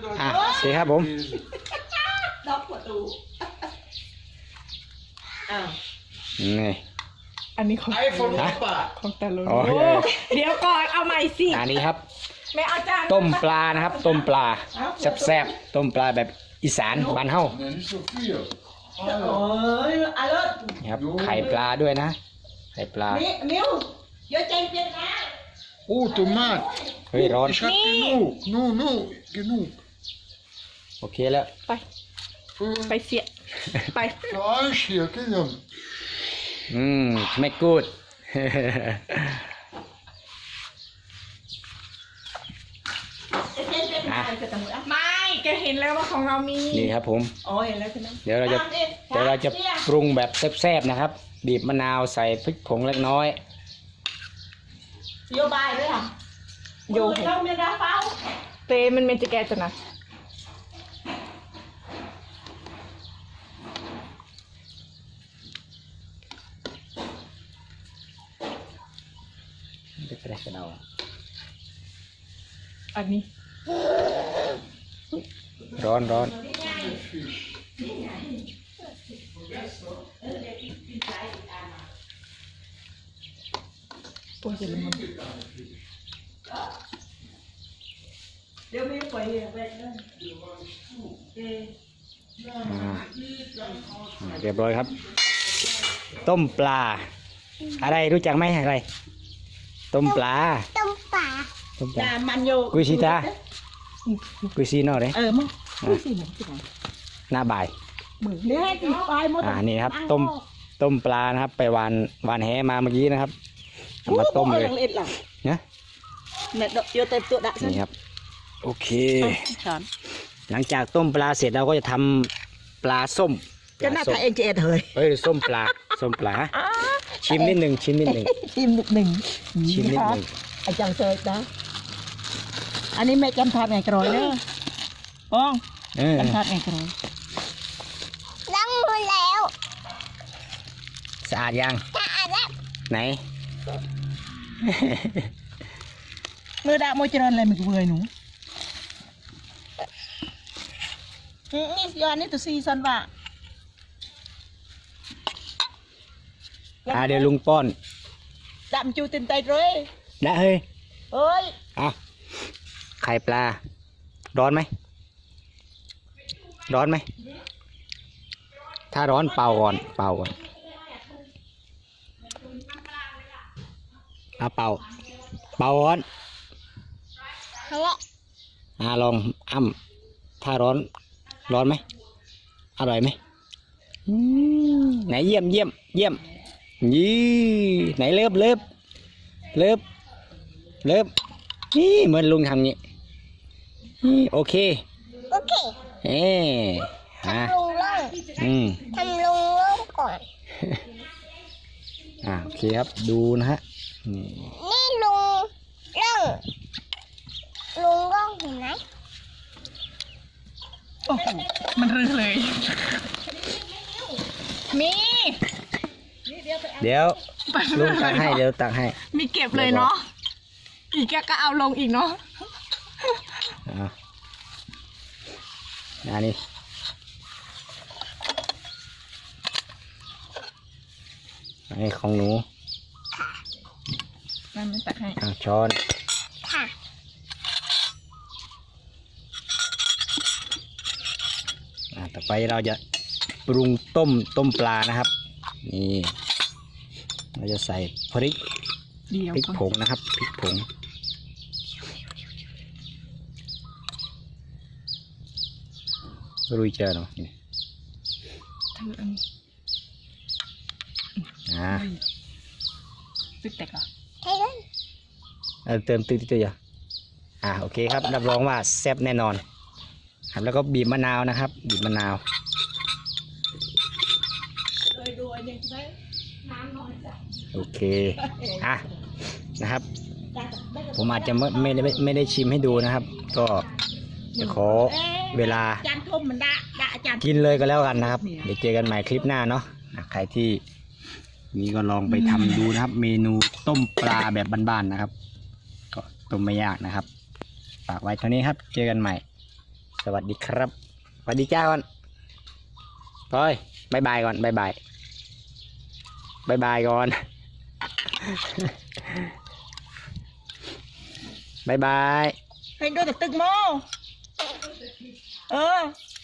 โอเคครับผมล็อกประตูนี่อันนี้ของของตาลุงเดี๋ยวก่อนเอาใหม่สิอันนี้ครับไม่เอาจานต้มปลานะครับ ต้มปลาแซ่บๆต้มปลาแบบอีสานบ้านเฮาโอ้ยอร่อยนี่ครับไข่ปลาด้วยนะไข่ปลามิวเยอะใจเปลี่ยนนะ Oh, tomaat. เฮ้ยร้อน Ich hab genug. No, genug. โอเคแล้วไปเสียไป Fleisch hier, kijk dan. ไม่กูดไม่แกเห็นแล้วว่าของเรามีนี่ครับผมอ๋อเห็นแล้วใช่ไหมเดี๋ยวเราจะปรุงแบบแซ่บๆนะครับบีบมะนาวใส่พริกผงเล็กน้อยโยบายด้วยค่ะโยเราเมียดาเฝ้าเตมันเป็นจะแกจะนะไม่เป็นไรกันเอาอันนี้ร้อนตัวจะละมุนเดี๋ยวไม่ปล่อยไปเลยเรียบร้อยครับ ต้มปลา อะไรรู้จักไหมอะไร ต้มปลาต้มปลามันโยกุยซีตากุยซีนอกเลยมึงกุยซีหนึ่งที่ไหนหน้าบ่ายมึงเนี่ยติดไฟหมดนี่ครับต้มปลานะครับ ไปวานแหมาเมื่อกี้นะครับเอามาต้มเลยนะนี่ครับโอเค หลังจากต้มปลาเสร็จเราก็จะทำปลาส้มจะน่าทานเอ็นเจเฮ้ยเฮ้ยส้มปลาชิมนิดหนึ่งชิมนิดหนึ่ง ไอ้จังเซยนะอันนี้แม่จำทานไงกรอยเนอะป้องจำทานไงกรอยล้างมือแล้วสะอาดยังสะอาดแล้วไหนมือด่าโมจิรอนอะไรมันกูเบื่อหนูนี่ย้อนนี่ตัวซีซันว่ะเดี๋ยวลุงป้อนดำจูตินไตเลยได้เฮ้ยเฮ้ยไข่ปลา ร้อนไหม ถ้าร้อนเป่าก่อนเป่าก่อน ลองถ้าร้อนไหมอร่อยไหมไหนเยี่ยมนี่ไหนเลิฟนี่เหมือนลุงทำนี่โอเคทำลงล่องก่อนโอเคครับดูนะฮะนี่ลุงล่องเห็นไหมโอ้โหมันรื้อเลยมีเดี๋ยวลุงตักให้มีเก็บเลยเนาะอีกแกก็เอาลงอีกเนาะนี่นี่ของหนูนั่นไม่ตักให้ช้อนค่ะต่อไปเราจะปรุงต้มปลานะครับนี่เราจะใส่พริกผงนะครับพริกผงรุยเจอเนาะตึกแตกเหรอเติมตื้อๆโอเคครับรับรองว่าแซ่บแน่นอนครับแล้วก็บีบมะนาวนะครับบีบมะนาวโอเคนะครับผมอาจจะไม่ได้ชิมให้ดูนะครับ ก็จะขอเวลากินเลยก็แล้วกันนะครับเดี๋ยวเจอกันใหม่คลิปหน้าเนาะใครที่นี่ก็ลองไปทำดูนะครับ เมนูต้มปลาแบบบ้านๆนะครับก็ต้มไม่ยากนะครับฝากไว้เท่านี้ครับเจอกันใหม่สวัสดีครับสวัสดีจ้าก่อนพลอยบายบายก่อนบายบายบายบายก่อนบายบายให้ดูแต่ตึกโม